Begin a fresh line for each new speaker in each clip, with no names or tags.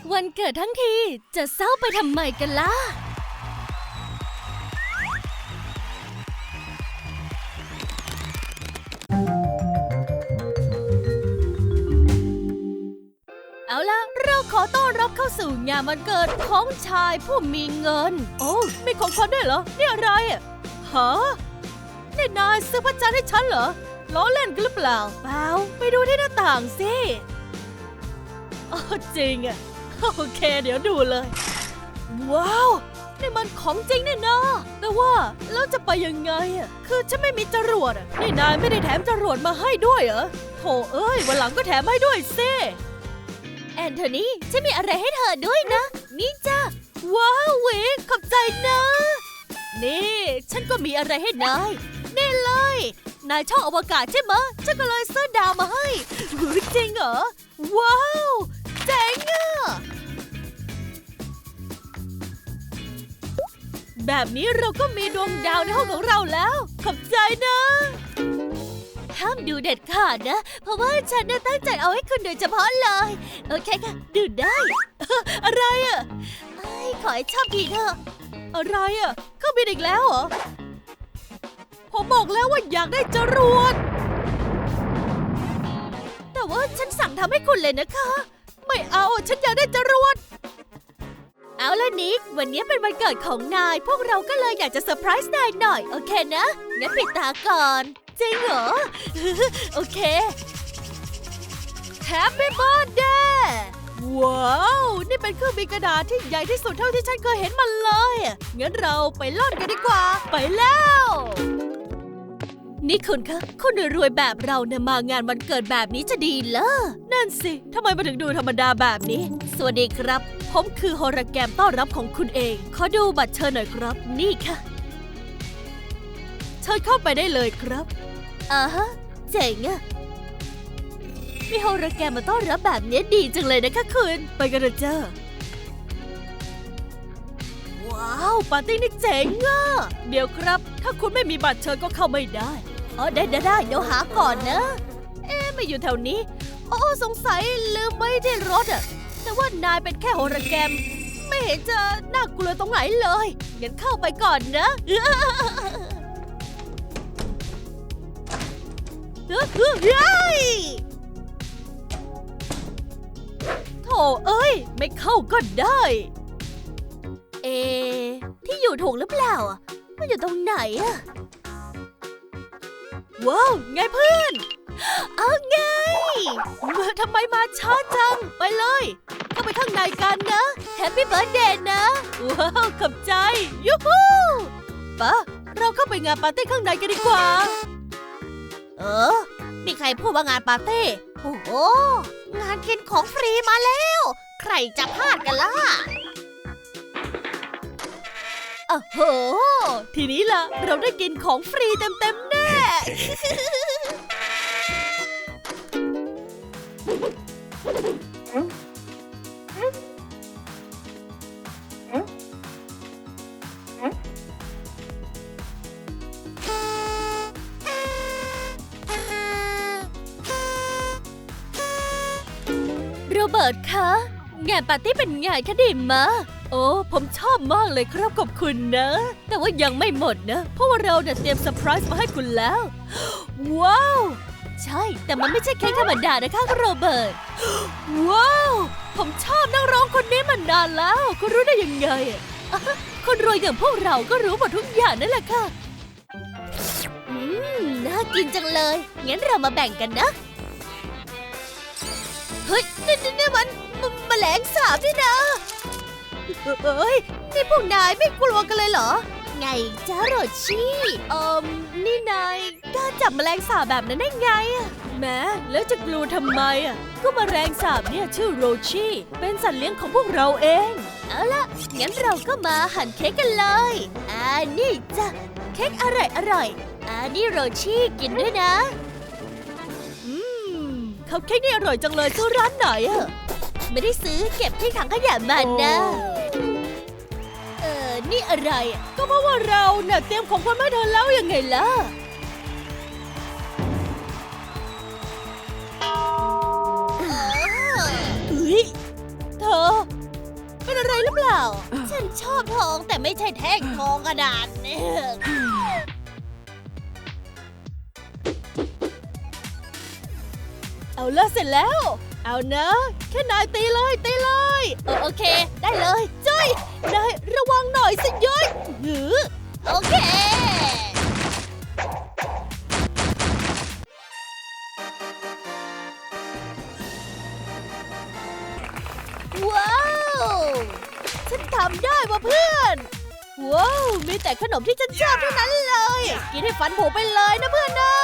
วันเกิดทั้งทีจะเศร้าไปทำไมกันล่ะเอาล่ะเราขอต้อนรับเข้าสู่งานวันเกิดของชายผู้มีเงินโอ้มีของขวัญด้วยเหรอนี่อะไรอ่ะฮะนี่นายซื้อพระจันทร์ให้ฉันเหรอล้อเล่นกันหรือเปล่าเปล่าไปดูที่หน้าต่างสิอ๋อจริงอ่ะโอเคเดี๋ยวดูเลยว้าวนี่มันของจริงแน่นอนแต่ว่าแล้วจะไปยังไงอ่ะคือฉันไม่มีจรวดอ่ะนี่นายไม่ได้แถมจรวดมาให้ด้วยเหรอโถเอ้ยวันหลังก็แถมให้ด้วยสิแอนโทนีฉันมีอะไรให้เธอด้วยนะนี่จ้าว้าวเวขอบใจนะนี่ฉันก็มีอะไรให้นายนี่เลยนายชอบอวกาศใช่ไหมฉันก็เลยซื้อดาวมาให้จริงเหรอว้าวเจ๋งอ่ะแบบนี้เราก็มีดวงดาวในห้องของเราแล้วขอบใจนะห้ามดูเด็ดขาดนะเพราะว่าฉันตั้งใจเอาให้คุณโดยเฉพาะเลยโอเคค่ะดูได้อะไรอ่ะขอให้ชอบดีเถอะอะไรอ่ะเข้าบินอีกแล้วเหรอผมบอกแล้วว่าอยากได้จรวดแต่ว่าฉันสั่งทำให้คุณเลยนะคะไม่เอาฉันอยากได้จรวดเอาล่ะนิกวันนี้เป็นวันเกิดของนายพวกเราก็เลยอยากจะเซอร์ไพรส์นายหน่อยโอเคนะงั้นปิดตาก่อนจริงเหรอ โอเค Happy Birthday ว้าวนี่เป็นเครื่องบินกระดาษที่ใหญ่ที่สุดเท่าที่ฉันเคยเห็นมาเลยงั้นเราไปล่อนกันดีกว่าไปแล้วนี่คุณคะคนรวยๆแบบเราเนี่ยมางานวันเกิดแบบนี้จะดีเหรอนั่นสิทำไมมาถึงดูธรรมดาแบบนี้สวัสดีครับผมคือโฮโลแกรมต้อนรับของคุณเองขอดูบัตรเชิญหน่อยครับนี่ค่ะเชิญเข้าไปได้เลยครับฮะเจ๋งอะมีโฮโลแกรมมาต้อนรับแบบนี้ดีจังเลยนะคะคุณไปกันเถอะจ้าว้าวปาร์ตี้นี่เจ๋งอะเดี๋ยวครับถ้าคุณไม่มีบัตรเชิญก็เข้าไม่ได้ได้เดี๋ยวหาก่อนนะไม่อยู่แถวนี้สงสัยลืมไว้ที่รถอะแต่ว่านายเป็นแค่โฮโลแกรมไม่เห็นจะน่ากลัวตรงไหนเลยงั้นเข้าไปก่อนนะโถเอ้ยไม่เข้าก็ได้ที่อยู่ถูกหรือเปล่ามันอยู่ตรงไหนอะว้าวไงเพื่อนไงทำไมมาช้าจังไปเลยเข้าไปข้างในกันนะแฮปปี้เบิร์ธเดย์นะว้าวขอบใจยูฮูปะเราเข้าไปงานปาร์ตี้ข้างในกันดีกว่ามีใครพูดว่างานปาร์ตี้โอ้โหงานกินของฟรีมาแล้วใครจะพลาดกันล่ะโอ้โหทีนี้ล่ะเราได้กินของฟรีเต็มๆแน่โรเบิร์ตคะงานปาร์ตี้เป็นไงคะดีมะโอ้ผมชอบมากเลยครับขอบคุณนะแต่ว่ายังไม่หมดนะเพราะว่าเราเนี่ยเตรียมเซอร์ไพรส์มาให้คุณแล้วว้าวใช่แต่มันไม่ใช่เค้กธรรมดานะคะโรเบิร์ตว้าวผมชอบนักร้องคนนี้มานานแล้วคุณรู้ได้ยังไงคนรวยอย่างพวกเราก็รู้หมดทุกอย่างนั่นแหละค่ะน่ากินจังเลยงั้นเรามาแบ่งกันนะเฮ้ยนี่มันแมลงสาบนี่นะเฮ้ยนี่พวกนายไม่กลัวกันเลยเหรอไงจ้าโรชี่นี่นายกล้าจับแมลงสาบแบบนั้นได้ไงแม้แล้วจะกลัวทำไมก็แมลงสาบเนี่ยชื่อโรชี่เป็นสัตว์เลี้ยงของพวกเราเองเอาล่ะงั้นเราก็มาหั่นเค้กกันเลยนี่จ้ะเค้กอร่อยนี่โรชี่กินด้วยนะคัพเค้กนี่อร่อยจังเลยซื้อร้านไหนไม่ได้ซื้อเก็บที่ถังขยะมันนะนี่อะไรก็เพราะว่าเราเนี่ยเตรียมของขวัญมาให้เธอแล้วยังไงล่ะเธออะไรหรือเปล่า ฉันชอบทองแต่ไม่ใช่แท่งทองกระดาษเนี่ยเอาละเสร็จแล้ว เอานะแค่นายตีเลยโอเคได้เลยจ้อยนายระวังหน่อยสิย้อยโอเคว้าวฉันทำได้ว่ะเพื่อนว้าวมีแต่ขนมที่ฉันชอบเท่านั้นเลยกินให้ฟันผุไปเลยนะเพื่อนนะ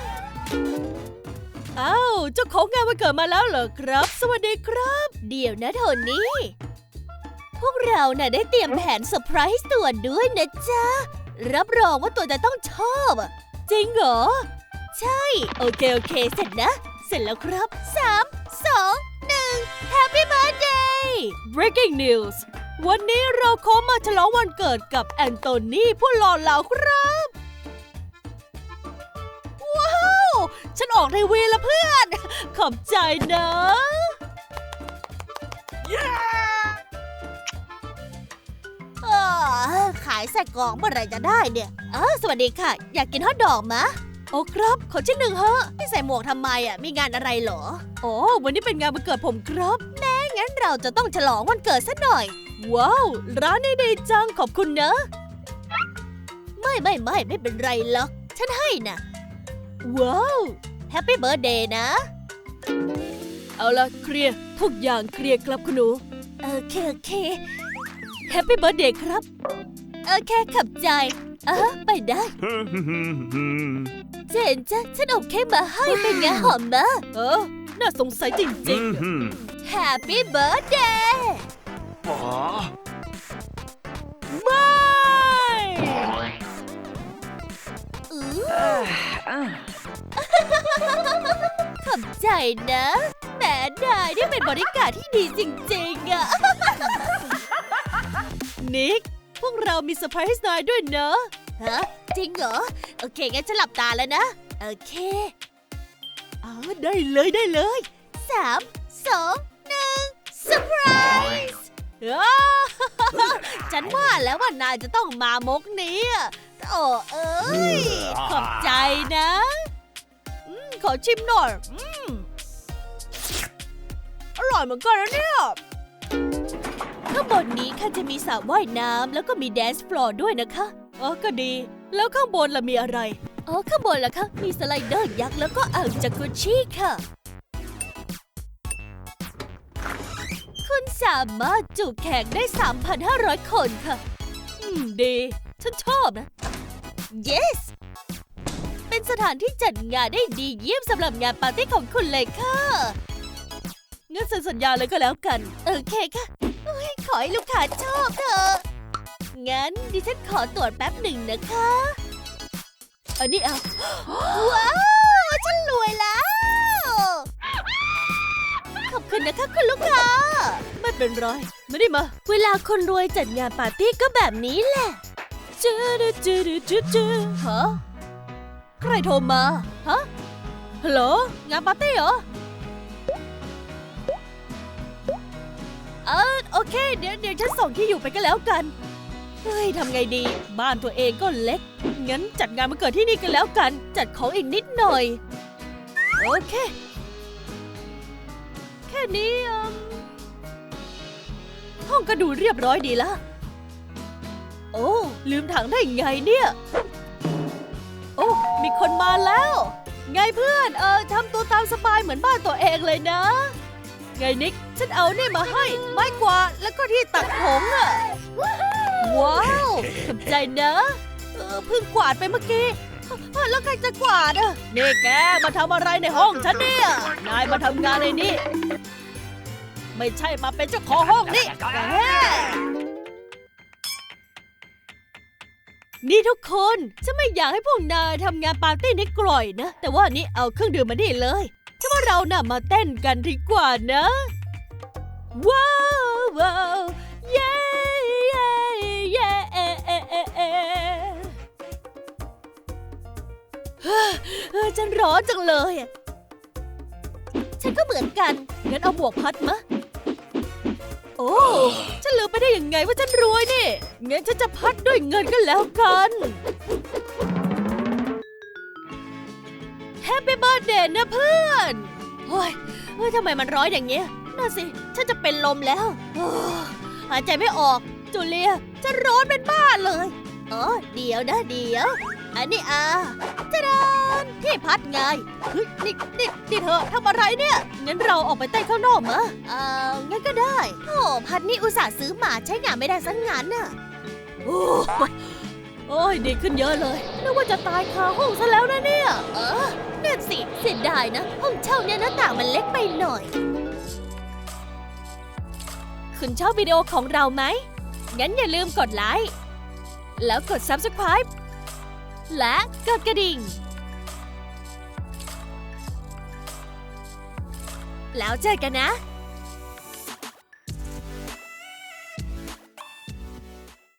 อ้าวเจ้าของงานวันเกิดมาแล้วเหรอครับสวัสดีครับเดี๋ยวนะโทนี่พวกเราน่ะได้เตรียมแผนเซอร์ไพรส์ตัวด้วยนะจ๊ะรับรองว่าตัวจะต้องชอบอ่ะจริงเหรอใช่โอเคเสร็จแล้วครับ3 2 1 Happy Birthday Breaking News วันนี้เราขอมาฉลองวันเกิดกับแอนโทนีผู้หล่อเหลาครับว้าวฉันออกทีวีแล้วเพื่อนขอบใจนะขายใส่กล่องเมื่อไหร่จะได้เนี่ยสวัสดีค่ะอยากกินฮอทดอกมะโอ้ครับขอชิ้นหนึ่งฮะพี่ใส่หมวกทำไมมีงานอะไรเหรอโอ้วันนี้เป็นงานวันเกิดผมครับแม่งั้นเราจะต้องฉลองวันเกิดซะหน่อยว้าวร้านนี้ดีจังขอบคุณนะไม่เป็นไรหรอกฉันให้นะว้าวแฮปปี้เบิร์ธเดย์นะเอาละเคลียร์ทุกอย่างเคลียร์ครับคุณหนูโอเคแฮปปี้เบิร์ธเดย์ครับโอเคขับใจไปได้ เจนจ้ะฉันเอาเค้กมาให้เป็นไงหอมมะน่าสงสัยจริงๆ Happy Birthday ไม่ขอบใจนะแหมนายนี่เป็นบริการที่ดีจริงๆอะนิกพวกเรามีเซอร์ไพรส์นายด้วยเนอะฮะจริงเหรอโอเคงั้นฉันหลับตาแล้วนะโอเคได้เลย3 2 1เซอร์ไพรส์ฉันว่าแล้วว่านายจะต้องมามกนี้โอ้เอ้ยขอบใจนะขอชิมหน่อยอร่อยเหมือนกันนะเนี่ยข้างบนนี้ค่ะจะมีสระว่ายน้ำแล้วก็มีแดนซ์ฟลอร์ด้วยนะคะก็ดีแล้วข้างบนล่ะมีอะไรข้างบนล่ะคะมีสไลเดอร์ยักษ์แล้วก็อ่างจากุชิค่ะคุณสามารถจุแขกได้ 3,500 คนค่ะดีฉันชอบนะ yes เป็นสถานที่จัดงานได้ดีเยี่ยมสำหรับงานปาร์ตี้ของคุณเลยค่ะงั้นเซ็นสัญญาเลยก็แล้วกันโอเคค่ะขอให้ลูกค้าชอบเถอะงั้นดิฉันขอตรวจแป๊บหนึ่งนะคะอันนี้ว้าวฉันรวยแล้วขอบคุณนะคะคุณลูกค้าไม่เป็นไรไม่ได้มาเวลาคนรวยจัดงานปาร์ตี้ก็แบบนี้แหละฮะใครโทรมาฮะฮัลโหลงานปาร์ตี้เหรอโอเคเดี๋ยวฉันส่งที่อยู่ไปก็แล้วกันเฮ้ยทำไงดีบ้านตัวเองก็เล็กงั้นจัดงานวันเกิดที่นี่กันแล้วกันจัดของอีกนิดหน่อยโอเคแค่นี้ห้องก็ดูเรียบร้อยดีละโอ้ลืมถังได้ไงเนี่ยโอ้มีคนมาแล้วไงเพื่อนทำตัวตามสบายเหมือนบ้านตัวเองเลยนะไงนิกฉันเอานี่มาให้ไม้กวาดแล้วก็ที่ตักผงว้าวขอบใจนะเพิ่งกวาดไปเมื่อกี้แล้วใครจะกวาดนี่แกมาทำอะไรในห้องฉันเนี่ยนายมาทำงานในนี้ไม่ใช่มาเป็นเจ้าของห้องนี่แกนี่ทุกคนฉันไม่อยากให้พวกนายทำงานปาร์ตี้นี้กล่อยนะแต่ว่านี่เอาเครื่องดื่มมาดิเลยฉันว่าเราน่ะมาเต้นกันดีกว่านะว้าวเย้ฉันร้อนจังเลยฉันก็เหมือนกันงั้นเอาหมวกพัดมะโอ้ฉันลืมไปได้ยังไงว่าฉันรวยนี่งั้นฉันจะพัดด้วยเงินกันแล้วกันแฮปปี้เบิร์ธเดย์นะเพื่อนเฮ้ยทำไมมันร้อนอย่างเงี้ยน่าสิฉันจะเป็นลมแล้วหายใจไม่ออกจูเลียจะร้อนเป็นบ้าเลยเดี๋ยวนะอันนี้จะดานที่พัดไงเฮ้ยนี่เธอทำอะไรเนี่ยงั้นเราออกไปเต้นข้างนอกมะงั้นก็ได้โอ้พัดนี่อุตส่าห์ซื้อมาใช้งานไม่ได้สักงานน่ะโอ้ยดีขึ้นเยอะเลยนึกว่าจะตายคาห้องซะแล้วนะเนี่ยนั่นสิเสียดายนะห้องเช่าเนี่ยหน้าต่างมันเล็กไปหน่อยคุณชอบวิดีโอของเราไหมงั้นอย่าลืมกดไลค์แล้วกด Subscribe และกดกระดิ่งแล้วเจอกันนะ